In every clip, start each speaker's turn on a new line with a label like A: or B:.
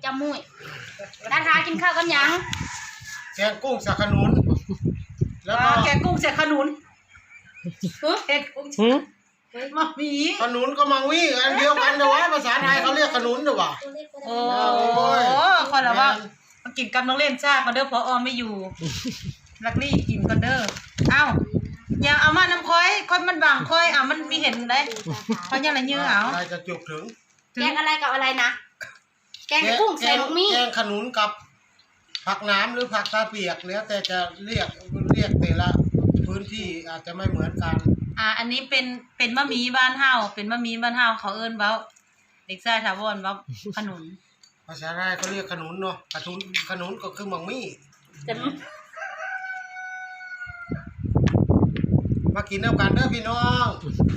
A: จำมุ้ยดาทากินข้าวกันยัง
B: แกงกุ้งใส่ขนุนแล้วก็
C: แกงกุ้งใส่ขนุนแกงกุ้งมะหมี่
B: ขนุนก็มังวี่อันเดียวกันแต่ว่าภาษาไทยเขาเรียกขนุนหรือเปล่า
C: โอ้คนละว่ามากินกันต้องเล่นชากันเด้อพอไม่อยู่ลักลี่กินกันเด้อเอ้าอย่าเอามาน้ำค่อยมันบางค่อยมันมีเห็นได้เพราะยังไรยื้อเอา
B: อะไรจะจุกถึง
A: แกงอะไรกับอะไรนะแกงกุ้งใส่ลูกมี่
B: แกงขนุนกับผักน้ำหรือผักตาเปียกแล้วแต่จะเรียกแต่ละพื้นที่อาจจะไม่เหมือนกัน
C: อันนี้เป็นมะหมี่บ้านเฮาเป็นมะหมี่บ้านเฮาเขาเอิ้นเว้าเด็กชายถาวรเว้าขนุน
B: ภาษาไทยเขาเรียกขนุนเนาะขนุนก็คือมังมี่มากินน้ำกันเด้อพี่น้อง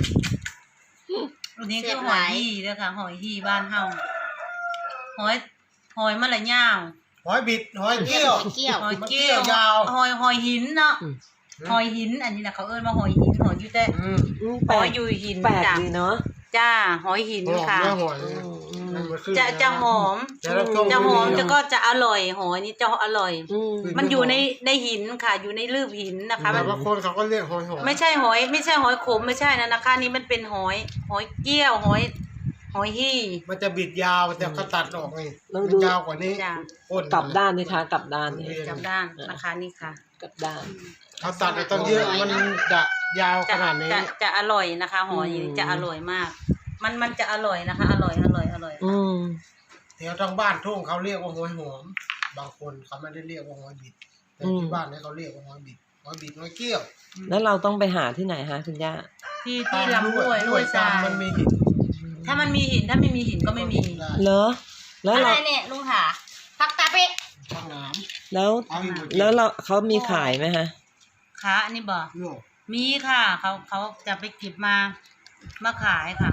C: อันนี้คือหอยฮี่เด้อค่ะหอยฮี่บ้านเฮาหอยมะละย่าง
B: หอยบิดหอยเกี้ยว
C: ยาวหอยหินเนาะหอยหินอันนี้นะเขาเอิ้นว่าหอยหินหอยอยู่แต่หอยอยู่หิน
D: จ้ะเนาะ
C: จ้าหอยหินค่ะจะหอมจะก็จะอร่อยหอยนี่จะอร่อยมันอยู่ในหินค่ะอยู่ในลืบหินนะคะ
B: บางคนเขาก็เรียกหอย
C: ไม่ใช่หอยขมไม่ใช่นะนะคะนี่มันเป็นหอยเกี้ยวหอยฮี่
B: มันจะบิดยาวมันจะตัดออกนี่มันยาวกว่านี้
D: กลับด้านนี่ค่ะกลับด้านนี่
C: กลับด้านนะคะนี่ค่ะ
D: กลับด้าน
B: เขาตัดไปต้องเยอะมันจะยาวขนาดนี้
C: จะอร่อยนะคะหอยจะอร่อยมากมันจะอร่อยนะคะอร่อย
B: แถวทางบ้านทุ่งเขาเรียกว่าหอยหอมบางคนเขาไม่ได้เรียกว่าหอยบิดแต่ที่บ้านเนี่ยเขาเรียกว่าหอยบิดหอยเกี้ยว
D: แล้วเราต้องไปหาที่ไหนฮะคุณย่า
C: ที่ลำห้วยทราย
B: มันมีหิน
C: ถ้ามันมีหินถ้าไม่มีหินก็ไม่มี
D: เหรอแล้ว
A: อะไรเนี่ยลุงหาผักตาเปะ
B: ผักน้
D: ำแล้วเขามีขายไหมฮะ
C: คะอันนี้บอกมีค่ะเขาจะไปเก็บมาขายค่ะ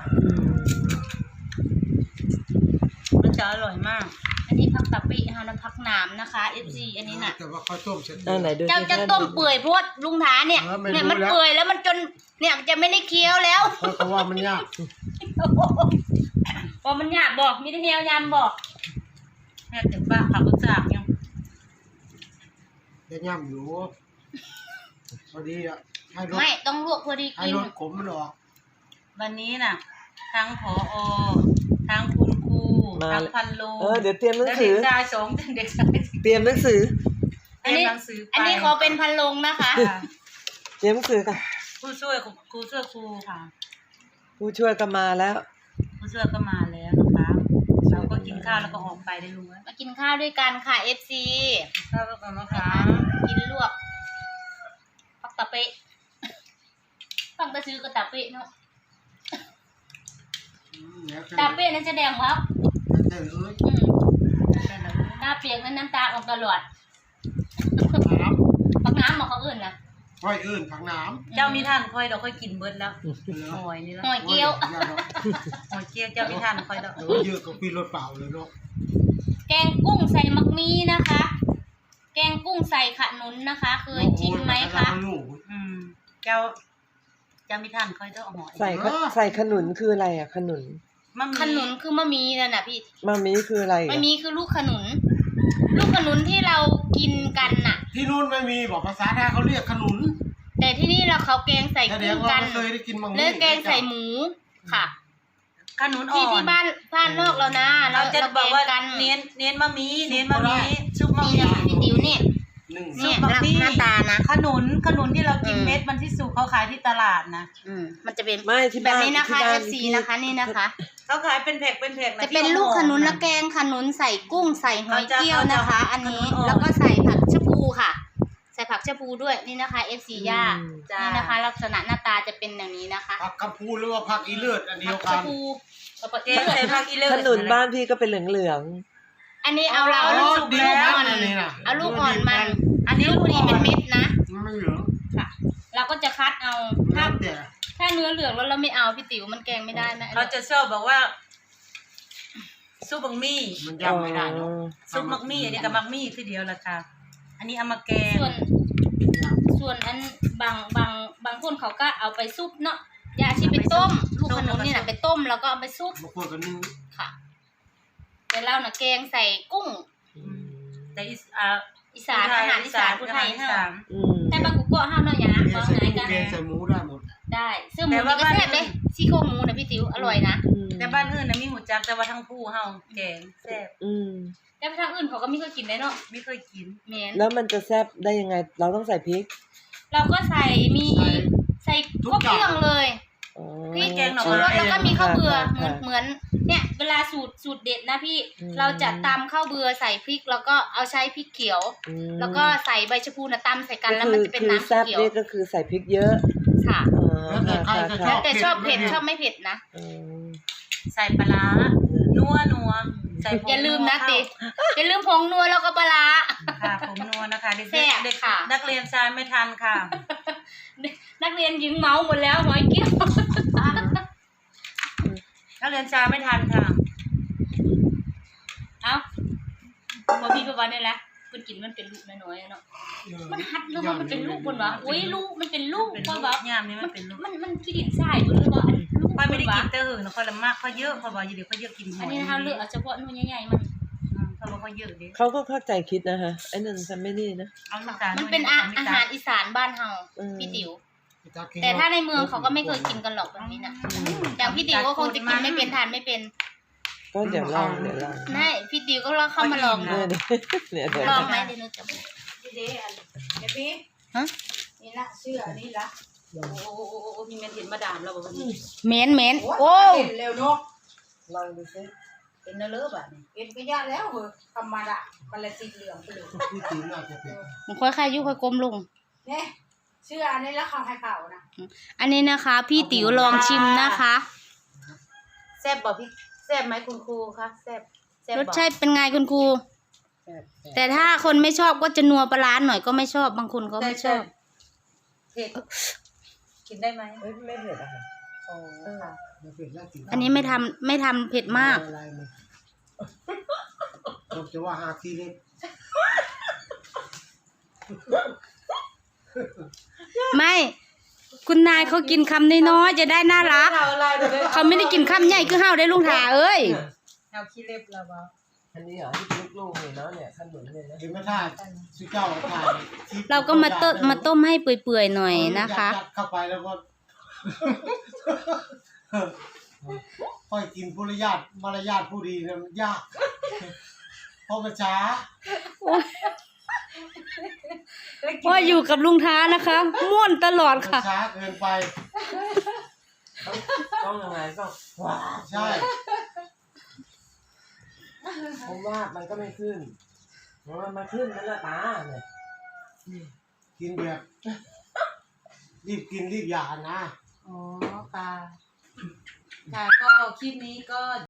C: มันจะอร่อยมาก
A: อันนี้ผักตาเปะค่ะน้ำผักน้ำนะคะ FC อันนี้น่ะ
B: แต่ว่าเขาต้มเสร็จ
A: เจ้าจะต้มเปื่อยเพราะลุงถาเนี่ยมันเปื่อยแล้วมันจนเนี่ยจะไม่ได้เคี้ยวแล้ว
B: เพราะว่ามันยาก
A: พอมันยากบอกมีได้เฮียวยำบอก
C: แม่ถึงบ้าขับรถจากยัง
B: จะย่ำอยู่พอดีอ่ะ
A: ไม่ต้องลวกพอดี
B: กินให้รสขมมันออก
C: วันนี้น่ะทั้งผอทั้งคุณครูทั้งพันโล
D: เดี๋ยวเตรียมหนังสือ
C: เด็กชายสองเด็กชาย
D: เตรียมหนังสือ
A: อันนี้ขอเป็นพันโลงนะคะ
D: เตรียมหนังสือค่ะ
C: ผู้ช่วยครูค่ะ
D: ผู้ช่วยก็มาแล้ว
C: นะคะเราก็กินข้าวแล้วก็ออกไปได้ลุง
A: มากินข้าวด้วยกันค่ะ FC
C: ข้าวกันนะคะ
A: กินลวกผักตะเปะต้องไปซื้อกระตะเปะเนาะตาเปะนั่นจะแดงครับตาเปียกนั้นน้ำตาออกตลอดผักน้ำมาเขาอื่นนะ
B: ค่อยอื่นผักน้
C: ำเจ้ามีท่านค่อยเราค่อยกินเบิดแล้วหอยนี่แล้ว
A: หอยเกี้ยว
C: เจ้ามีท่านค่อยแล้ว
B: เยอะก็ปีรถเปล่าเลยเนาะ
A: แกงกุ้งใส่มักมีนะคะแกงกุ้งใส่ขนุนนะคะเคยชิมไหมคะ
C: เจ้ามีท่านค่อยต้องหอย
D: ใส่ขนุนคืออะไรอ่ะขนุน
A: คือมะมีนั่นน่ะพี่
D: มะมีคืออะไร
A: มะมีคือลูกขนุนที่เรากินกันน่ะ
B: ที่นู่นไม่มีบอกภาษาไทยเขาเรียกขนุน
A: แต่ที่นี่เขาแกงใส่กุ้งกันเนื้อแกงใส่หมูค่ะ
C: ขนุนอ่อน
A: ที่บ้านนอกเรานะ
C: เราจะบอกว่าเน้นมะมีซุปมะมี
A: พี่ติ๋วเนี่ยหน้าตานะ
C: ขนุนที่เรากินเม็ดมันที่สุกเขาขายที่ตลาดนะ
A: มันจะเป็น
D: แบบ
A: นี้นะคะ FC นะคะนี่นะคะ
C: เขาขายเป็นแผก
A: จะเป็นลูกขนุนและแกงขนุนใส่กุ้งใส่หอยเกี้ยวนะคะอันนี้แล้วก็ใส่ผักชะพูค่ะใส่ผักชะพูด้วยนี่นะคะ FC ย่านี่นะคะลักษณะหน้าตาจะเป็นอย่างนี้นะคะ
B: ผักกระพูหรือว่าผักอีเลือดอันเดียวกัน
C: ใส่ผักอีเลือด
D: ขนุนบ้านพี่ก็เป็นเหลือง
A: อันนี้เอาลูกอ่อนเอาลูกอ่อนมันอันนี้ลูกนี้เป็นเม็ดนะ
B: ไม่เหลือง
A: ค่ะเราก็จะคัดเอาถ้าเนื้อเหลืองแล้วเราไม่เอาพี่ติ๋วมันแกงไม่ได้นะ
C: เราจะชอบบอกว่าซุปมักมี่
B: มันยำไม่ได้เนาะ
C: ซุปมักมี่อันนี้กับมักมี่คือเดียวละค่ะอันนี้เอามาแกง
A: ส่วนอันบางคนเขาก็เอาไปซุปเนาะยาชีไปต้มลูกขนุนนี่นะไปต้มแล้วก็เอาไปซุป
B: บางคนก็นึ่ง
A: ค่ะแต่เราน่ะแกงใส่กุ้ง
C: แต่
A: อีสานอาหารอีสานผู้ไทย
C: อี
A: เฮา
C: สาน
A: แต่บางกุ๊กเฮาเนาะอย่างนะ
B: แก
A: บ่
B: งใส่
A: หาย
B: กุ้
A: กั
B: ง
A: น
B: แกงใส่หมูได้หมด
A: ได้ซึ่งหมูนี่ก็แซ่บเด้ซี่โครงหมูนะพี่ติ๋วอร่อยนะ
C: แต่บ้านอื่นน่ะมีหูจักแต่ว่าทั้งผู้เฮาแกงแซ่บ
A: แต่ทางอื่นเขาก็ไม่เคยกินได้เนาะ
C: ไม่เคยกิน
A: แม่น
D: แล้วมันจะแซ่บได้ยังไง เราต้องใส่พริก
A: เราก็ใส่ใส่ครบเครื่องเลย
D: อ๋อ
A: พริกชูรสแล้วก็มีข้าวเบื่อเหมือนเนี่ยเวลาสูตรเด็ดนะพี่เราจะตำข้าวเบื่อใส่พริกแล้วก็เอาใช้พริกเขียว แล้วก็ใส่ใบชะพูน่ะตำใส่กันแล้วมันจะเป็นน้ำ
D: แซ่บ
A: เขียว
D: นี่ก็คือใส่พริกเยอะ
A: ค่ะ
D: อ๋อ
B: แล้วแต่ใครจะช
A: แล้
B: อ
A: ว
B: บ
A: แต่ชอบเผ็ดชอบไม่เผ็ดนะ
C: ใส่ปลาร้านัวใส่ผง
A: อย่าลืมนะ
C: เข้า
A: ติอย่าลืมผงนัวแล้วก็ปลาร้า
C: ค่ะผมนัวนะคะเด็ก
A: แซ่บ
C: เด็ก
A: ค่ะ
C: นักเรียนชายไม่ทันค่ะ
A: นักเรียนหญิงเมาหมดแล้วหอยเกี้ยว
C: นักเรียนชายไม่ทันค่ะ
A: เอ้าบ่พี่ประวันนี่แหละเพิ่นกินมันเป็นลูกน้อยๆเนาะมันหัดแล้วมันเป็นลูกเพิ่นว่าอุ้ยลูกมันเป็นลูก
C: เป็น
A: เพิ่
C: ลู
A: น
C: ก
A: ว่า
C: ยามนี้มันเป็นลูก
A: มันขี้ดินทรายเพิ่นหรือว่าอันลูก
C: ค่อยไม่ได้
A: เพิ่
C: กิ
A: น
C: นแต่หื่นค่อยละมากค่อยเยอะค่อยบอกอยู่เดี๋ยวค่อยเยอะกินห
A: อั
C: อน ย
A: นี้นะคะเลือกเอาเฉพาะหนูใหญ่ๆมัน
C: ค่อยบอกค่อยเยอะดิ
D: เขาก็เข้าใจคิดนะฮะไอ้นั่นทำไม่นี่นะ
C: เอาลูกตาล
A: มันเป็นอาหารอีสานบ้านเฮาพี่ติ๋วแต่ถ้าในเมืองเขาก็ไม่เคยกินกันหรอกแบบนี้น่ะอย่างพี่ติ๋วก็คงจะกินไม่เป็นทานไม่เป็น
D: ก็เดี๋ยวลอง
A: ไม่พี่ติ๋วก็ลองเข้ามาลองดู
D: เนี่ยเดี๋ยว
A: ลองไหมเดี๋ยวหนูจะบอก
C: เด้อันเดี๋ยวพี่
A: ฮะ
C: นี่ละเชื่อนี่ละโอ้มีเมนเห็นมาดามเราบอกว่านี่
A: เหม็นโอ้
C: เห็นเร็วเนาะ
D: ลองดูซิ
C: เป็นเนื้อเลิฟอ่ะนี่เห็นก็ยากแล้วเหรอธรรมดามันละสีเหลืองไปเลย
B: พี่ติ๋วน่าจะเป็น
A: มันค่อยๆยุค่อยกลมลง
C: เนี่ยเชื่ออันนี้แล้วเขาให้เผานะ
A: อันนี้นะคะ พี่ติ๋วลองชิมนะคะ
C: แซ่บบอกพี่แซ่บไหมคุณครูคะแซ่บแซ่บ
A: ร
C: บ
A: ส
C: อก
A: ชาติเป็นไงคุณครู แต่ถ้าคนไม่ชอบก็จะนัวปลาร้าหน่อยก็ไม่ชอบบางคนก็ไม่ชอบ
C: เผ็ดกินได้ไหม
D: ไม่เผ็ดอะค่ะ
C: โอ้ค่ะ
B: ไม่เป็นแล้วติ๋ว
A: อันนี้ไม่ทำเผ็ดมาก
B: อะไรเนี่ยผมจะว่าหาทีเล็ก
A: ไม่ คุณนายเขากินคำน้อยๆจะได้น่ารัก
C: เอาอะไรเดี๋ยว
A: เขาไม่ได้กินคำใหญ่คือเฮาได้ลุงถาเอ้ย
C: เอาขี้เล็บเราเบา
D: อันนี้เหรอที่ลูกๆนี่เนาะเนี่ยขนุนเนี่ยนะ
B: เห็นไหมท่าสุเจ้าถ่ายคลิป
A: เราก็มาต้มให้เปื่อยๆหน่อยนะคะ
B: ยัดเข้าไปแล้วก็ ค่อยกินมารยาทผู้ดีเนี่ยมันยากเพราะมันช้า
A: ว่าอยู่กับลุงท้านะคะม่วนตลอด
B: มัน
A: ค่ะ
B: ช้าเกินไป
D: ต้องยังไงต้องว้า
B: ใช่
D: ผมว่ามันก็ไม่ขึ้นมันมาขึ้นนั่นแหละตาเนี่ย
B: กินแบบรีบกินรีบหย่านะ
C: อ๋อค่ะค่ะก็คลิปนี้ก็